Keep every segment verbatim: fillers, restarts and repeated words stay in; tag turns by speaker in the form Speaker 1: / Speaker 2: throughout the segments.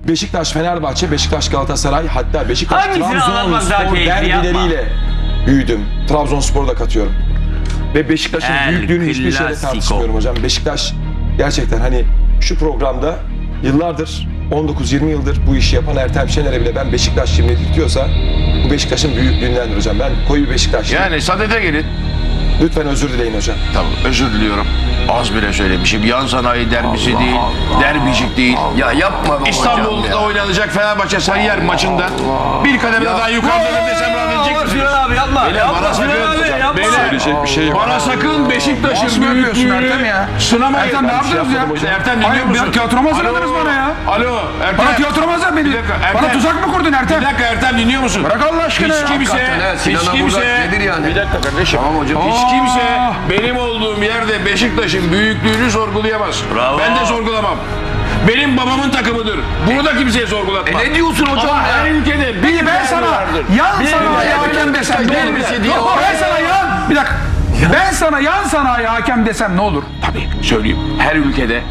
Speaker 1: Beşiktaş, Fenerbahçe, Beşiktaş, Galatasaray, hatta Beşiktaş,
Speaker 2: Hangisini anlatmak daha
Speaker 1: Trabzonspor
Speaker 2: keyifli,
Speaker 1: derbileriyle büyüdüm. Trabzonspor'u da katıyorum. Ve Beşiktaş'ın
Speaker 2: El
Speaker 1: büyüklüğünü hiçbir şeyle
Speaker 2: Clasico.
Speaker 1: tartışmıyorum hocam. Beşiktaş gerçekten hani şu programda yıllardır, on dokuz yirmi yıldır bu işi yapan Ertem Şener'e bile ben Beşiktaş şimdi diyorsa bu Beşiktaş'ın büyüklüğündendir hocam. Ben koyu bir Beşiktaşlıyım.
Speaker 3: Yani sadede gelin.
Speaker 1: Lütfen özür dileyin hocam.
Speaker 3: Tamam, özür diliyorum. Az bile söylemişim. Yan sanayi derbisi değil, derbicik değil.
Speaker 4: Ya yapma be hocam
Speaker 3: İstanbul'da
Speaker 4: ya.
Speaker 3: oynanacak Fenerbahçe Sarıyer maçında bir kademe daha yukarıda desem rahatlayacak mısınız?
Speaker 2: Sinan abi yapma.
Speaker 3: Beyler,
Speaker 2: Yapma
Speaker 3: bana
Speaker 2: Sinan
Speaker 3: sakın-
Speaker 2: abi yapma.
Speaker 3: Beyler,
Speaker 1: Söyleyecek bir şey yok.
Speaker 3: Bana sakın Beşiktaş'ın büyüklüğünü
Speaker 5: ya?
Speaker 3: sınamayın.
Speaker 5: Ertem ne
Speaker 3: Ben bir şey
Speaker 5: yaptınız ya?
Speaker 3: yapmadım hocam. Ertem dinliyor
Speaker 5: Hayır,
Speaker 3: musun?
Speaker 5: bir tiyatromu hazırladınız
Speaker 3: Alo.
Speaker 5: bana ya.
Speaker 3: Alo Ertem.
Speaker 5: Bana tiyatromu hazırladın beni.
Speaker 3: Bir dakika, Ertem.
Speaker 5: Bana tuzak mı kurdun Ertem?
Speaker 3: Bir dakika Ertem, dinliyor musun?
Speaker 5: Bırak Allah aşkına
Speaker 3: Hiç
Speaker 5: ya.
Speaker 3: kimse,
Speaker 4: Hakikaten ha,
Speaker 3: hiç
Speaker 4: Sinan'a
Speaker 3: kimse,
Speaker 4: burada nedir yani?
Speaker 3: bir dakika kardeşim.
Speaker 4: Tamam hocam.
Speaker 3: Hiç kimse benim olduğum yerde Beşiktaş'ın büyüklüğünü sorgulayamaz.
Speaker 2: Bravo.
Speaker 3: Ben de sorgulamam. Benim babamın takımıdır. Bunu da kimseye sorgulatmam.
Speaker 4: E ne diyorsun hocam
Speaker 3: Ama
Speaker 4: ya?
Speaker 3: her ülkede bir
Speaker 5: Peki ben
Speaker 3: derbi
Speaker 5: sana
Speaker 3: vardır.
Speaker 5: yan
Speaker 3: Bir
Speaker 5: sanayi
Speaker 3: derbi
Speaker 5: hakem desem ne olur?
Speaker 3: derbisi diye-
Speaker 5: Yok, ben sana yan... Bir dakika. Ben sana yan sanayi hakem desem ne olur?
Speaker 3: Tabii söyleyeyim. Her ülkede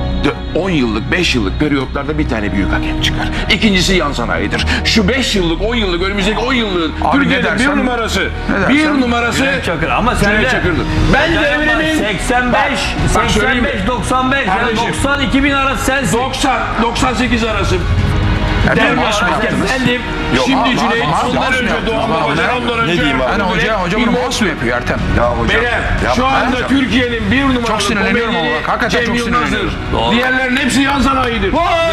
Speaker 3: on yıllık, beş yıllık periyotlarda bir tane büyük hakem çıkar. İkincisi yan sanayidir. Şu beş yıllık, on yıllık, önümüzdeki on yıllığın
Speaker 5: Abi ne
Speaker 3: Türkiye'de bir
Speaker 5: dersen-
Speaker 3: numarası,
Speaker 5: ne
Speaker 3: bir
Speaker 5: dersen-
Speaker 3: numarası
Speaker 2: Cüneyt Çakır ama sen
Speaker 3: Cüneyt
Speaker 2: de
Speaker 3: Çakır'dır. Ben de Emre'nin
Speaker 2: seksen beş,
Speaker 3: bak söyleyeyim
Speaker 2: seksen
Speaker 3: mi?
Speaker 2: beş, doksan beş, yani
Speaker 3: Kardeşim.
Speaker 2: doksan iki bin arası sensin.
Speaker 3: doksan, doksan sekiz arası.
Speaker 5: Ertem
Speaker 3: Derbi
Speaker 5: maaş mı yaptınız?
Speaker 3: efendim. Şimdi
Speaker 5: maaş-
Speaker 3: Cüneyt,
Speaker 5: maaş-
Speaker 3: ondan
Speaker 5: maaş mı
Speaker 3: önce
Speaker 5: yaptınız?
Speaker 3: Doğan
Speaker 5: Bana
Speaker 3: Babacan,
Speaker 5: ne-
Speaker 3: ondan önce...
Speaker 1: ne diyeyim abi?
Speaker 5: Hani hoca,
Speaker 3: Cüneyt,
Speaker 5: hoca bunu
Speaker 3: İmam-
Speaker 5: mouse mu yapıyor Ertem?
Speaker 4: Ya hocam.
Speaker 3: Beyler, şu
Speaker 4: yapma
Speaker 3: anda
Speaker 4: hocam.
Speaker 3: Türkiye'nin bir numaralı
Speaker 5: Çok sinirleniyorum ama
Speaker 3: komedini
Speaker 5: bak, hakikaten
Speaker 3: Cem
Speaker 5: çok
Speaker 3: Yılmaz'dır.
Speaker 5: sinirleniyorum.
Speaker 2: Doğru.
Speaker 3: Diğerlerin hepsi yan sanayidir.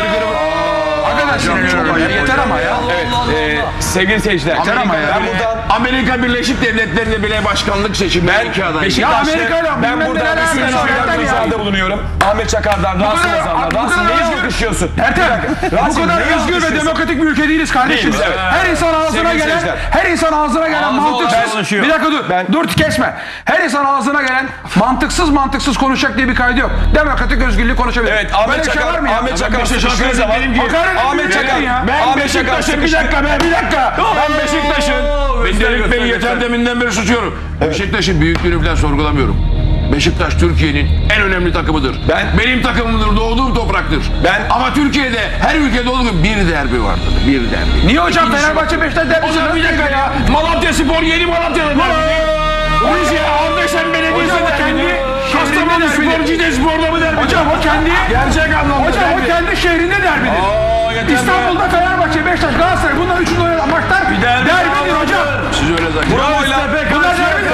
Speaker 5: Hakikaten sinirleniyorum ya. Yeter ama ya.
Speaker 1: Evet, e, sevgili seyirciler.
Speaker 5: Yeter ama ya.
Speaker 1: Ben buradan
Speaker 3: Amerika Birleşik Devletleri'nde bile başkanlık seçimleri
Speaker 1: Ben
Speaker 3: iki aday.
Speaker 5: Ya
Speaker 1: Beşiktaş'ta
Speaker 5: Amerika'yla
Speaker 1: ben
Speaker 5: bilmem
Speaker 1: buradan
Speaker 5: neler
Speaker 1: bir
Speaker 5: yapıyorsun,
Speaker 1: sürü
Speaker 5: Ertem ya.
Speaker 1: ricada bulunuyorum. Ahmet Çakar'dan, Rasim
Speaker 5: kadar-
Speaker 1: Ozan'dan.
Speaker 5: bu
Speaker 1: Rasim
Speaker 5: kadar
Speaker 1: neyi
Speaker 5: özgür-
Speaker 1: alkışlıyorsun?
Speaker 5: Ertem, bu
Speaker 1: Rasim,
Speaker 5: kadar
Speaker 1: neyi
Speaker 5: özgür ve
Speaker 1: alkışlıyorsun?
Speaker 5: demokratik bir ülke değiliz kardeşim.
Speaker 1: Değiliz, evet.
Speaker 5: Her insan ağzına
Speaker 1: Sevgili
Speaker 5: gelen,
Speaker 1: seyirciler.
Speaker 5: her insan ağzına gelen
Speaker 2: Ağzı
Speaker 5: mantıksız.
Speaker 2: konuşuyor.
Speaker 5: Bir dakika dur,
Speaker 1: Ben-
Speaker 5: dur kesme. Her insan ağzına gelen mantıksız mantıksız konuşacak diye bir kaydı yok. Demokratik özgürlüğü konuşabilir.
Speaker 1: Evet,
Speaker 5: Böyle
Speaker 1: Ahmet
Speaker 5: bir şey
Speaker 1: Çakar,
Speaker 5: var mı ya?
Speaker 1: Ahmet Çakar
Speaker 3: Beşiktaş'a
Speaker 1: sıkıştığı zaman,
Speaker 3: benim gibi-
Speaker 5: Hakaret
Speaker 1: Ahmet
Speaker 5: ediyorsun
Speaker 1: Çakar,
Speaker 5: ya.
Speaker 3: Ben
Speaker 1: Ahmet Çakar
Speaker 3: Beşiktaş'ın bir
Speaker 1: sıkıştı.
Speaker 3: dakika be bir dakika. Ben Beşiktaş'ın. Ben
Speaker 2: göster,
Speaker 3: Delik Bey'i
Speaker 2: göster,
Speaker 3: yeter deminden beri susuyorum. Beşiktaş'ın büyüklüğünü falan sorgulamıyorum. Beşiktaş Türkiye'nin en önemli takımıdır.
Speaker 1: Ben-
Speaker 3: Benim takımımdır, doğduğum topraktır.
Speaker 1: Ben-
Speaker 3: Ama Türkiye'de her ülkede olduğu gibi bir derbi vardır. Bir derbi.
Speaker 5: Niye hocam
Speaker 3: İkincisi
Speaker 5: Fenerbahçe Beşiktaş derbisi?
Speaker 3: Hocam bir dakika ya. Malatya Spor yeni Malatya'da derbi. Rize Ardeşen Belediyesi
Speaker 5: Hocam o
Speaker 3: derbi.
Speaker 5: kendi
Speaker 3: Kastamonu
Speaker 5: şehrinde
Speaker 3: Spor Cide Spor'da mı derbi?
Speaker 5: Hocam o kendi
Speaker 3: Gerçek anlamda
Speaker 5: Hocam o
Speaker 3: derbi.
Speaker 5: kendi şehrinde derbidir.
Speaker 3: Aa, yeter be.
Speaker 5: İstanbul'da Fenerbahçe, Beşiktaş, Galatasaray bunlar üçünün oynanan maçlar
Speaker 2: derbi
Speaker 5: derbidir
Speaker 2: daha
Speaker 5: hocam.
Speaker 3: Siz öyle zannediyorsunuz.
Speaker 1: Bromo'yla
Speaker 5: Bunlar derbidir.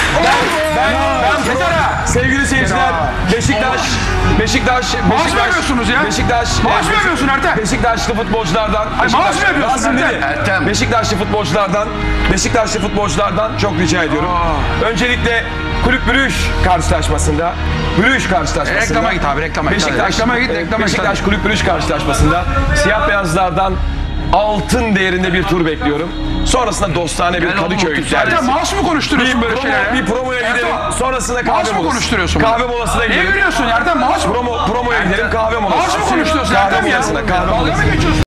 Speaker 1: ben, ben
Speaker 5: Yeter ha.
Speaker 1: sevgili seyirciler, Beşiktaş, Beşiktaş,
Speaker 5: Maaş mı
Speaker 1: Beşiktaş,
Speaker 5: yapıyorsunuz ya?
Speaker 1: Beşiktaş,
Speaker 5: Maaş mı yapıyorsun Ertem?
Speaker 1: Beşiktaşlı futbolculardan,
Speaker 5: maaş mı
Speaker 1: Beşiktaş-
Speaker 5: yapıyorsun
Speaker 1: Rasim
Speaker 5: Ertem?
Speaker 1: dedi.
Speaker 4: Ertem.
Speaker 1: Beşiktaşlı futbolculardan, Beşiktaşlı futbolculardan çok rica ediyorum. Öncelikle Kulüp Brüj karşılaşmasında, Brüj karşılaşmasında.
Speaker 5: Reklama git abi, reklama git.
Speaker 1: Beşiktaş,
Speaker 5: Reklama git, reklama git.
Speaker 1: Beşiktaş Kulüp Brüj karşılaşmasında siyah beyazlardan altın değerinde bir tur bekliyorum. Sonrasında dostane bir Kadıköy
Speaker 5: Ertem
Speaker 1: derbisi.
Speaker 5: maaş mı konuşturuyorsun
Speaker 1: Bir,
Speaker 5: böyle
Speaker 1: promo,
Speaker 5: şeyler?
Speaker 1: bir promoya gidelim.
Speaker 5: Ertem,
Speaker 1: Sonrasında
Speaker 5: maaş
Speaker 1: kahve
Speaker 5: mı
Speaker 1: molası.
Speaker 5: konuşturuyorsun?
Speaker 1: Kahve molasına
Speaker 5: Ne
Speaker 1: gidelim.
Speaker 5: gülüyorsun Ertem? Maaş mı?
Speaker 1: Promo, promoya gidelim kahve molası.
Speaker 5: Maaş mı konuşturuyorsun
Speaker 1: Kahve
Speaker 5: Ertem ya?
Speaker 1: molasına, kahve
Speaker 5: Dalga
Speaker 1: molasına.
Speaker 5: mı geçiyorsun?